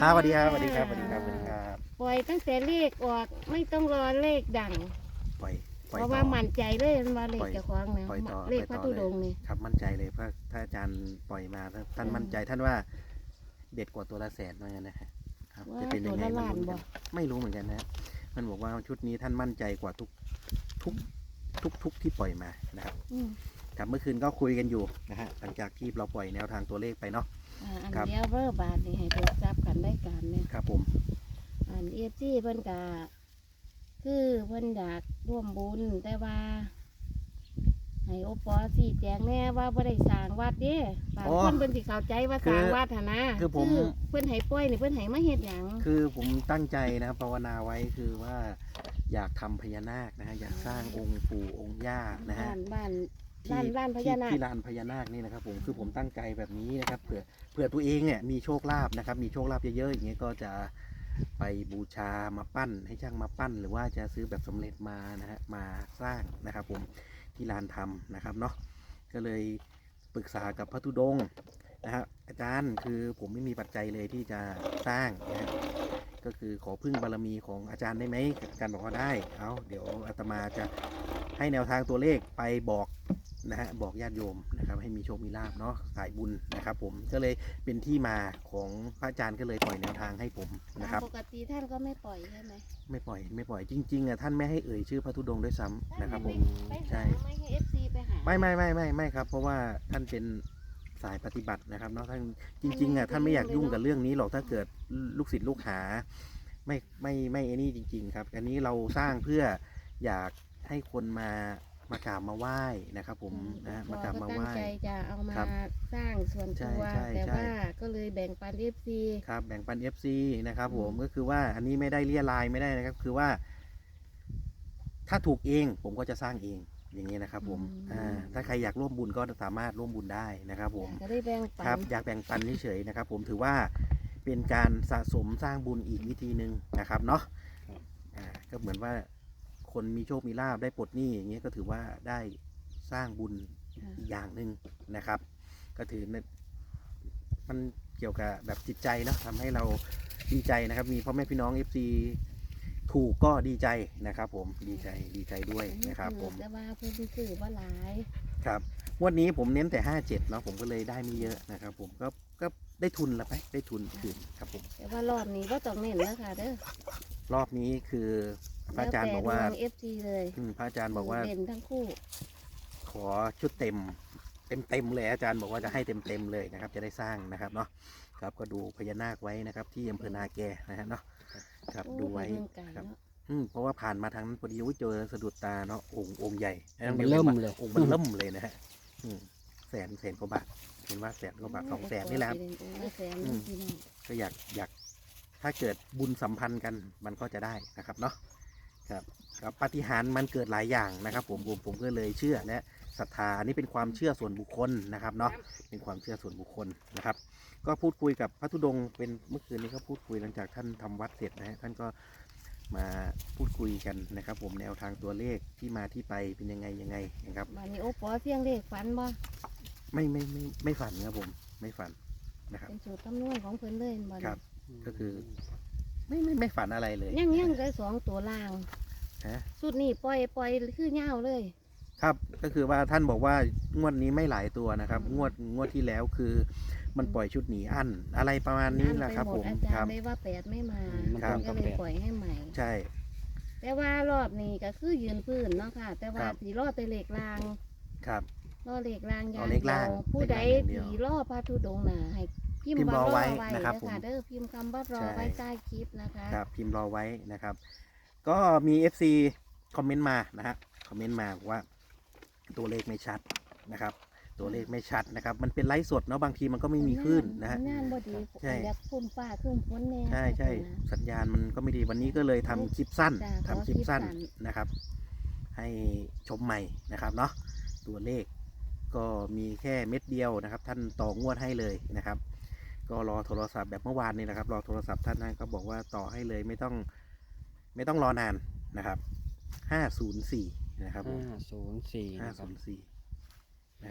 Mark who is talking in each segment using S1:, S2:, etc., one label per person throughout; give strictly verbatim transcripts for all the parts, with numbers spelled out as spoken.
S1: อ่าสวัสดีครับสวัสดีครับสวัสดีครับสวัสดีครับ
S2: ปล่อยตั้งแต่เลขออกไม่ต้องรอเลขดัง
S1: ปล่อยปล่อย
S2: เพราะ
S1: ต่
S2: ว่า
S1: อ
S2: มั่นใจเลยว่าเล
S1: ปล่
S2: ข
S1: อย
S2: เจะคว้าของนะ
S1: ปล่อยต่อ
S2: เลข
S1: ป
S2: พ
S1: ล่
S2: ระ
S1: อยต่อ
S2: ธุ
S1: เล
S2: ด
S1: ย
S2: งค์นี่
S1: ครับมั่นใจเลยเพราะถ้าอาจารย์ปล่อยมาท่านมั่นใจท่านว่าเด็ดกว่าตัวละแสนเหมือนกันนะฮะครับจะเป็นยังไงไม่รู้เหมือนกันไม่รู้เหมือนกันนะมันบอกว่าชุดนี้ท่านมั่นใจกว่าทุกทุกทุกทุกที่ปล่อยมานะครับ
S2: อืม
S1: ครับเมื่อคืนก็คุยกันอยู่นะฮะหลังจากที่เราปล่อยแนวทางตัวเลขไปเนาะ
S2: อ่าอัน
S1: ครับ
S2: เดียวเบอร์บาทนี่ให้เปิดจับกันได้การเนี่ย
S1: ครับผม
S2: อันเอฟซีเพิ่นกะคือเพิ่นอยากร่วมบุญแต่ว่าให้โอปอสี่แจงแน่ว่าบ่ได้สร้างวัดเด้บางคนเพิ่นสิเข้าใจว่าสร้างวัดหั่นนะคือเพิ่นให้ปล่อยนี่เพิ่นให้มาเฮ็ดหยัง
S1: คือผมตั้งใจนะครับภาวนาไว้คือว่าอยากทำพญานาคนะฮะอยากสร้างองค์ปู่องค์ย่านะฮะ
S2: บ้านบ้าน
S1: ที่
S2: บ้านบ้านพ
S1: ที่
S2: ญานาค
S1: ที่ลานพญานาคนี่นะครับผมคือผมตั้งใจแบบนี้นะครับเผื่อเผื่อตัวเองเนี่ยมีโชคลาภนะครับมีโชคลาภเยอะๆอย่างเงี้ยก็จะไปบูชามาปั้นให้ช่างมาปั้น หรือว่าจะซื้อแบบสำเร็จมานะฮะมาสร้างนะครับผมที่ลานธรรมนะครับเนาะก็เลยปรึกษากับพระธุดงค์นะครับอาจารย์คือผมไม่มีปัจจัยเลยที่จะสร้างนะฮะก็คือขอพึ่งบารมีของอาจารย์ได้ไหมอาจารย์บอกว่าได้เอาเดี๋ยวอาตมาจะให้แนวทางตัวเลขไปบอกนะฮะบอกญาติโยมนะครับให้มีโชคมีลาภเนาะสายบุญนะครับผมก็เลยเป็นที่มาของพระอาจารย์ก็เลยปล่อยแนวทางให้ผมนะครับ
S2: ปกติท่านก็ไม่ปล่อยใช่ไหม
S1: ไม่ปล่อยไม่ปล่อยจริงๆอ่ะท่านไม่ให้เอ่ยชื่อพระธุดงค์ด้วยซ้ำนะครับผม
S2: ไป
S1: ใช่
S2: หาไม่ให้เอฟซีไปหา
S1: ไม่ไม่ไม่ไม่ไม่ครับเพราะว่าท่านเป็นสายปฏิบัตินะครับเนาะท่านจริงๆอ่ะท่านไม่อยากยุ่งกับเรื่องนี้หรอกถ้าเกิดลูกศิษย์ลูกหาไม่ไม่ไม่ไอ้นี่จริง ๆ ครับ อันนี้เราสร้างเพื่ออยากให้คนมามากราบมาไหว้นะครับผมนะฮะมากราบมาไหว้
S2: ตั้งใจจะเอามา
S1: ครับ
S2: สร้างส่วน
S1: ใช่
S2: ตัว
S1: ใช่
S2: แต่
S1: ใช่
S2: ว่าก็เลยแบ่งปันเอฟซี
S1: ครับแบ่งปัน เอฟ ซี นะครับผม
S2: อืม
S1: ก็คือว่าอันนี้ไม่ได้เลี่ยรายไม่ได้นะครับคือว่า ถ้าถูกเองผมก็จะสร้างเองอย่างนี้นะครับผมอ่าถ้าใครอยากร่วมบุญก็สามารถร่วมบุญได้นะครับผม
S2: ก็ได้แบ่งปั
S1: ครับ
S2: น
S1: อยากแบ่งปันเฉยๆนะครับผมถือว่าเป็นการสะสมสร้างบุญอีกวิธีหนึ่งนะครับเนาะอ่าก็เหมือนว่าคนมีโชคมีลาภได้ปลดหนี้อย่างเงี้ยก็ถือว่าได้สร้างบุญอีกอย่างหนึ่งนะครับ ก็ถือมันเกี่ยวกับแบบจิตใจเนาะทำให้เราดีใจนะครับ มีพ่อแม่พี่น้อง เอฟ ซี ถูกก็ดีใจนะครับ ผมดีใจดีใจด้วยนะครับผม
S2: แต่ว่าเพื่อนซื้อว่าหลาย
S1: ครับงวันนี้ผมเน้นแต่ห้าเจ็ดเนาะผมก็เลยได้ไม่เยอะนะครับผมก็ก็ได้ทุนละไปได้ทุนคืนครับผม
S2: แต่ว่ารอบนี้ว่าต้องเน้นแล้วค่ะเด้อ
S1: รอบนี้คือพระอาจารย์บอกว่า
S2: เอฟซีเลย
S1: อืมพระอาจารย์บอกว่า
S2: เด่นทั้งคู่
S1: ขอชุดเต็มเต็มเต็มเลยอาจารย์บอกว่าจะให้เต็มเต็มเลยนะครับ จะได้สร้างนะครับเนาะครับก็ดูพญานาคไว้นะครับ ที่อำเภอนาแกนะฮะเนาะครับดูไว้
S2: โอ้ยเมืองไก่
S1: ครับ
S2: เนาะ
S1: อืมเพราะว่าผ่านมาทางนั้นพอดีอุ๊ยเจอสะดุดตาเนาะองค์องค์ใหญ่
S3: องค์มันเริ่มเลย
S1: องค์มันเริ่มเลยนะฮะอืมแสนแสนกว่าบาทเห็นว่าแสนกว่าบาทสองแสนนี่แหละครับ
S2: แสน
S1: อืม
S2: พี่น้อง
S1: ก็อยากอยากถ้าเกิดบุญสัมพันธ์กันมันก็จะได้นะครับเนาะครับครับปาฏิหาริย์มันเกิดหลายอย่างนะครับ ผมผมผมก็เลยเชื่อและศรัทธาอันนี้เป็นความเชื่อส่วนบุคคลนะครับเนาะเป็นความเชื่อส่วนบุคคลนะครับ ก็พูดคุยกับพระธุดงค์เป็นเมื่อคืนนี้ก็พูดคุยหลังจากท่านทำวัดเสร็จนะฮะท่านก็มาพูดคุยกันนะครับ ผมแนวทางตัวเลขที่มาที่ไปเป็นยังไงยังไงนะครับ
S2: วันนี้โอปอเสียงเลขฝันบ่
S1: ไม่ไม่ไม่ไม่ฝันครับผมไม่ฝันนะครับ
S2: เป็นสูตรคำนวณของเพิ่นเลยบ่
S1: ครับ ก็คือ ไม่ไม่ไม่ฝันอะไรเลย
S2: ยังยังได้สองตัวล่าง
S1: ฮะ
S2: สุดนี้ปล่อยปล่อยคือเงาวเลย
S1: ครับก็คือว่าท่านบอกว่างวดนี้ไม่หลายตัวนะครับ งวดงวดที่แล้วคือมันปล่อยชุดหนีอั้นอะไรประมาณนี้แหละครับ
S2: ไป
S1: ผ
S2: หด
S1: ม
S2: อา
S1: ค
S2: จาร
S1: รับ
S2: ย์ได้ว่าแปดไม่มา
S3: มัน
S1: ครับ
S2: ก็เลยปล่อยให้ใหม่
S1: ใช่
S2: แต่ว่ารอบนี้ก็คือยืนพื้นเนาะค่ะ แต่ว่า
S1: ครับ
S2: สีรอดแต่เหล็กราง
S1: ครับ
S2: รอเหล็กรางอย่าง
S1: เอาเหล็กราง
S2: ดียวผู้ใด
S1: เหล็กรางอย่างเดียว
S2: สีรอพระธุดงค์น่ะให้พิม
S1: พิมพ์
S2: พ์ว่าร
S1: อ
S2: อ
S1: ไว้
S2: ไว้
S1: นะครับ
S2: เด้อ
S1: ผม
S2: ค่ะเด้อพิมพ์คำว่ารอ
S1: ใช่
S2: ไว้ใต้คลิปนะคะ
S1: ครับพิมพ์รอไว้นะครับ ก็มี เอฟ ซี คอมเมนต์มานะฮะคอมเมนต์มาบอกว่าตัวเลขไม่ชัดนะครับ ตัวเลขไม่ชัดนะครับ มันเป็นไลฟ์สดเนาะบางทีมันก็ไม่มีคลื่นนะฮะ
S2: งานบ่ดี
S1: ใช่
S2: อยากพุ่มฟ้าครึ่มฝนแน่
S1: ใช่ใช่สัญญาณมันก็ไม่ดีวันนี้ก็เลยทำคลิปสั้น
S2: จ้ะ
S1: ทำ
S2: ขอ
S1: คลิปสั้น
S2: คลิปสั้น
S1: นะครับ ให้ชมใหม่นะครับเนาะตัวเลขก็มีแค่เม็ดเดียวนะครับ ท่านต่องวดให้เลยนะครับ ก็รอโทรศัพท์แบบเมื่อวานนี้นะครับรอโทรศัพท์ท่านนั้นก็บอกว่าต่อให้เลยไม่ต้องไม่ต้องรอนานนะครับห้าศูนย์สี่นะครับผม
S3: ห้าศูนย์สี่
S1: ห้า
S3: นะครั
S1: ศู
S3: บ
S1: นย์สี่นะครับ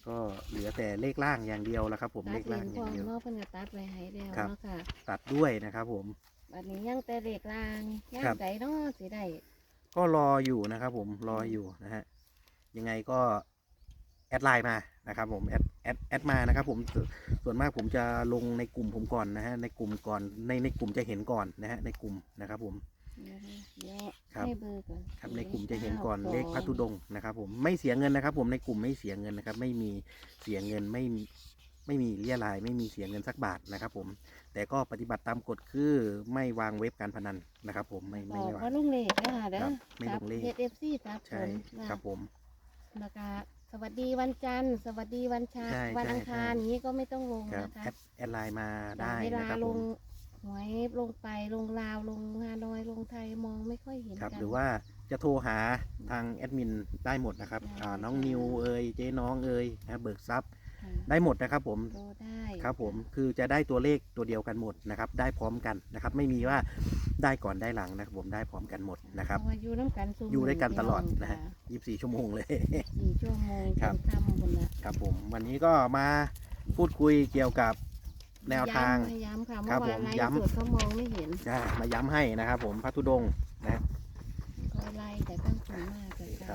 S1: ก็เหลือแต่เลขล่างอย่างเดียวแล้วครับผม
S2: ตั
S1: เล
S2: ด
S1: ข
S2: เล
S1: ล่าง
S2: น
S1: อ
S2: พร้
S1: ย่า
S2: อง ม
S1: เดียว
S2: เนาะเพิ่นก็ตัดไว้ให้แล้ว
S1: ครับ
S2: เนาะค่ะ
S1: ตัดด้วยนะครับผม
S2: บัดนี้ยังแต่เลขล่างย่า
S1: ครั
S2: ง
S1: บ
S2: ใดเนาะสิได้
S1: ก็รออยู่นะครับผมรออยู่นะฮะยังไงก็แอดไลน์มานะครับผมแอดแอดแอดมานะครับผมส่วนส่วนมากผมจะลงในกลุ่มผมก่อนนะฮะในกลุ่มก่อนในในกลุ่มจะเห็นก่อนนะฮะในกลุ่มนะครับผม
S2: เดี๋ยวเดี๋ยว
S1: ครับ
S2: ให้เบอร์ก่อน
S1: ครับในกลุ่มจะเห็นก่อน
S2: ก้า
S1: เลขพระธุดงค์นะครับผมไม่เสียเงินนะครับผมในกลุ่มไม่เสียเงินนะครับไม่มีเสียเงินไม่มีไม่มีเรียรายไม่มีเสียเงินสักบาทนะครับผมแต่ก็ปฏิบัติตามกฎคือไม่วางเว็บการพนันนะครับผมไม่
S2: บ
S1: ไม่
S2: อก
S1: ได้วาง
S2: ว่าลุงเลขนะคะเด้
S1: ค
S2: อ
S1: รับไม่ลงเลข
S2: เอฟเอฟซีจับผ
S1: ใช่
S2: ลนะครับ
S1: ผม
S2: แล้วก็สวัสดีวันจันทร์ สวัสดีวันชา
S1: ใช่
S2: วันอังคาร
S1: ใช่
S2: อย่างนี้ก็ไม่ต้องลง
S1: ครับ
S2: นะคะ
S1: แอดแอดไลน์มาได้
S2: เวลา
S1: นะครับ
S2: ล
S1: ผ
S2: ง
S1: ม
S2: หวยลงไปลงลาวลงฮานอยลงไทยมองไม่ค่อยเห็น
S1: ครับ
S2: กัน
S1: หรือว่าจะโทรหาทางแอดมินได้หมดนะครับ
S2: ได้
S1: อ่าน้อง
S2: ค่ะ
S1: นิวเอ่ยเจ๊น้องเอ่ยนะเบิกทรัพย์
S2: ค่ะ
S1: ได้หมดนะครับผม
S2: โทรได้
S1: ครับผมคือจะได้ตัวเลขตัวเดียวกันหมดนะครับได้พร้อมกันนะครับไม่มีว่าได้ก่อนได้หลังนะครับผมได้พร้อมกันหมดนะครับ
S2: เพาว่าอยู่น้ำกันซุ่ม
S1: อยู่ด้วยกันตลอด
S2: พี่
S1: นะ
S2: ง
S1: ฮะยี่สิบสี่ชั่วโมงเลย
S2: สี่ชั่วโมง
S1: ครับ
S2: จนค่ำคนละ
S1: ครับผมวันนี้ก็มาพูดคุยเกี่ยวกับแนวทาง
S2: ย้ำย้ำค่ะ
S1: ครั
S2: เมื่
S1: บ
S2: อวาน
S1: ผม
S2: ไลฟ์
S1: ย้ำ
S2: สดเขามองไม่เห็น
S1: อ่ามาย้ำให้นะครับผมพระธุดงค์นะ
S2: ก็ไล่แต่ตั้งสูงมากเลย
S1: ครั
S2: ค่ะ
S1: บ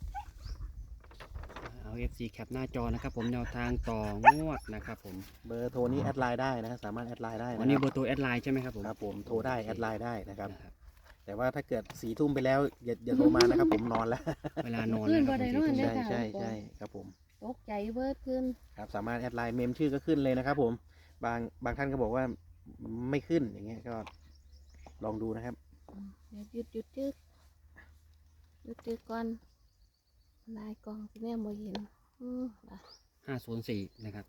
S3: เอา เอฟ ซี แคปหน้าจอนะครับผมแนวทางต่องวดนะครับผม
S1: เบอร์โทรนี้แอดไลน์ได้นะฮะสามารถแอดไลน์ได้นะ
S3: วันนี้
S1: ค
S3: เบ
S1: รั
S3: อบ ร์ตัวแอดไลน์ใช่ไหมครับผม
S1: ครับผมโทรได้แอดไลน์ได้นะครับ
S3: นะครับ
S1: แต่ว่าถ้าเกิดสี่ทุ่มไปแล้วอย่าอย่าโทรมานะครับผมนอนแล้ว
S3: เวลานอน
S2: ขึ้
S3: นะ
S2: น
S3: ค
S2: บ่
S3: รับ
S2: ได้
S3: ผม
S2: นอน
S3: สี่
S2: เด้
S3: ทุ่
S2: อ
S3: ม
S1: ใช่ใช่ใช่ครับผม
S2: ตกใจเบิดขึ้น
S1: ครับสามารถแอดไลน์เมมชื่อก็ขึ้นเลยนะครับผมบางบางท่านก็บอกว่าไม่ขึ้นอย่างเงี้ยก็ลองดูนะครับ
S2: เดี๋ยวหยุดหยุดจึกหยุดจึกก่อนลายกองที่แม่บ่เห็นอืมล่ะ
S3: ห้าศูนย์สี่นะครับ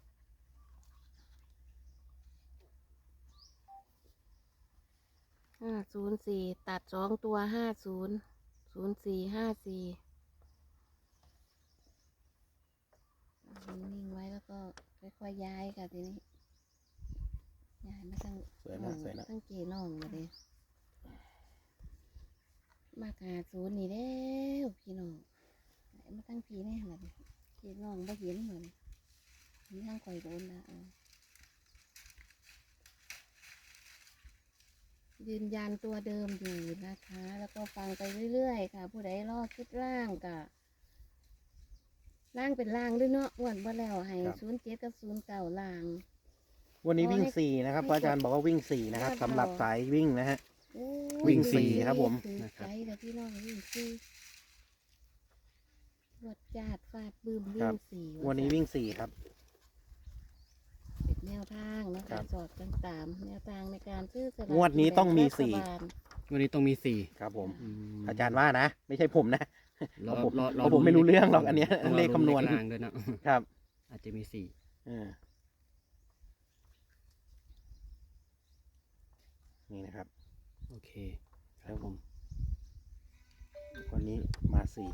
S2: ห้าศูนย์สี่ตัดสองตัวห้าศูนย์ศูนย์สี่ห้าสี่นิ่งๆไว้แล้วก็ค่อยๆย้ายค่ะทีนี้ย้ายมาตั้ง
S1: สวยนะสวยนะ
S2: ตั้งเกน้องมาเลยมากหาศูนย์นี่เด้วพี่น้องไหนมาตั้งพีแน่ละเนี่ยเกน้องบ่เห็นเหมือนนี่ทางคอยโดนละเอายืนยันตัวเดิมอยู่นะคะ แล้วก็ฟังไปเรื่อยๆค่ะ ผู้ใดรอคิดร่างกะร่างเป็นร่างด้วยเนาะอ้วนบ่แล้วให้
S1: ครับ
S2: ศูนย์เจ็ดกับศูนย์เก่าร่าง
S1: วันนี้วิ่ง
S2: ให้
S1: สี่นะครับ
S2: ให้
S1: พระอาจารย์บอกว่าวิ่งสี่นะครับ
S2: ยอด
S1: สำหรับ
S2: เรา
S1: สายวิ่งนะฮะ
S2: โอ้
S1: วิ่งสี่ครับผม
S2: ถือใจแต่พี่น้องวิ่งสี่รวดจาดฟาดบืมวิ่งสี่
S1: วันนี้วิ่งสี่ครับ
S2: เป็นแนวทางนะ
S1: ครั
S2: คะ
S1: บ
S2: สอดกันตามแนวทางในการซื้อสลาก
S1: งวดนี้ต้องมี
S2: กินแบ่
S1: สี่
S2: รัฐบาล
S3: วันนี้ต้องมีสี่
S1: ครับผม
S3: อืม
S1: อาจารย์ว่านะ ไม่ใช่ผมนะ
S3: รอ
S1: เพราะผม
S3: รอ
S1: เพราะผมไม่รู้เรื่องหรอกอันเนี้ย
S3: ต้อง
S1: เลขคำนวณ
S3: เลขล่างด้วยนะครับ อาจจะมีสี่
S1: เออนี่นะครับ
S3: โอเคครับผม
S1: วันนี้มาสี่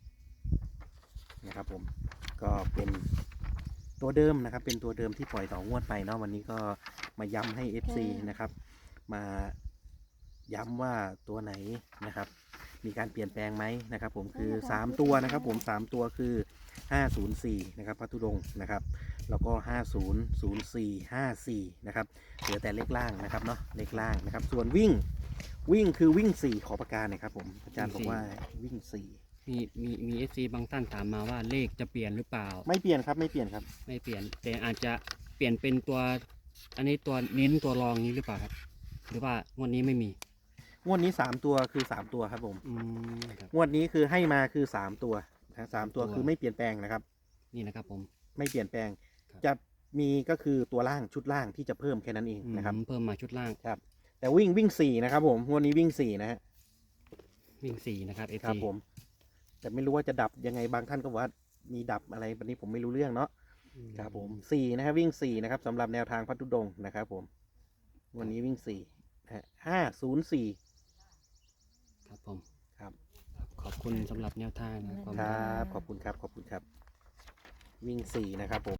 S1: นะครับผมก็เป็นตัวเดิมนะครับ เป็นตัวเดิมที่ปล่อยต่องวดไปเนาะวันนี้ก็มาย้ำให้ เอฟ ซี นะครับ มาย้ำว่าตัวไหนนะครับ มีการเปลี่ยนแปลงไหมนะครับ ผมคือสามตัวนะครับ ผมสามตัวคือห้าศูนย์สี่นะครับพระธุดงค์นะครับ แล้วก็ห้าศูนย์ ศูนย์สี่ ห้าสี่นะครับเหลือแต่เลขล่างนะครับเนาะเลขล่างนะครับ ส่วนวิ่งวิ่งคือวิ่งสี่ขอประการหนะครับผมอาจารย์บอกว่าวิ่งสี่
S3: มีมีมีเอฟซีบางท่านถามมาว่าเลขจะเปลี่ยนหรือเปล่า
S1: ไม่เปลี่ยนครับไม่เปลี่ยนครับ
S3: ไม่เปลี่ยน แต่อาจจะเปลี่ยนเป็นตัว อันนี้ตัวเน้นตัวรองนี้หรือเปล่าครับ หรือว่างวดนี้ไม่มี
S1: งวดนี้สามตัวคือสามตัวครับผม
S3: อืมครับ
S1: งวดนี้คือให้มาคือสามตัวนะสามตัว
S3: ตัว
S1: คือไม่เปลี่ยนแปลงนะครับ
S3: นี่นะครับผม
S1: ไม่เปลี่ยนแปลง
S3: ครับ
S1: จะมีก็คือตัวล่างชุดล่างที่จะเพิ่มแค่นั้นเองนะครับ
S3: อืมเพิ่มมาชุดล่าง
S1: ครับ แต่วิ่งวิ่งสี่นะครับผมงวดนี้วิ่งสี่นะฮะ
S3: วิ่งสี่นะครับเอฟ
S1: ครับ
S3: ซี
S1: ผม แต่ไม่รู้ว่าจะดับยังไงบางท่านก็บอกว่ามีดับอะไรวันนี้ผมไม่รู้เรื่องเนาะครับผมสี่นะครับวิ่งสี่นะครับสำหรับแนวทางพัทธุดงค์นะครับผมวันนี้วิ่งสี่นะฮะห้าศูนย์สี่
S3: ครับผม
S1: ครับ
S3: ขอบคุณสำหรับแนวทางนะครับ
S1: ครับขอบคุณครับขอบคุณครับ วิ่งสี่นะครับผม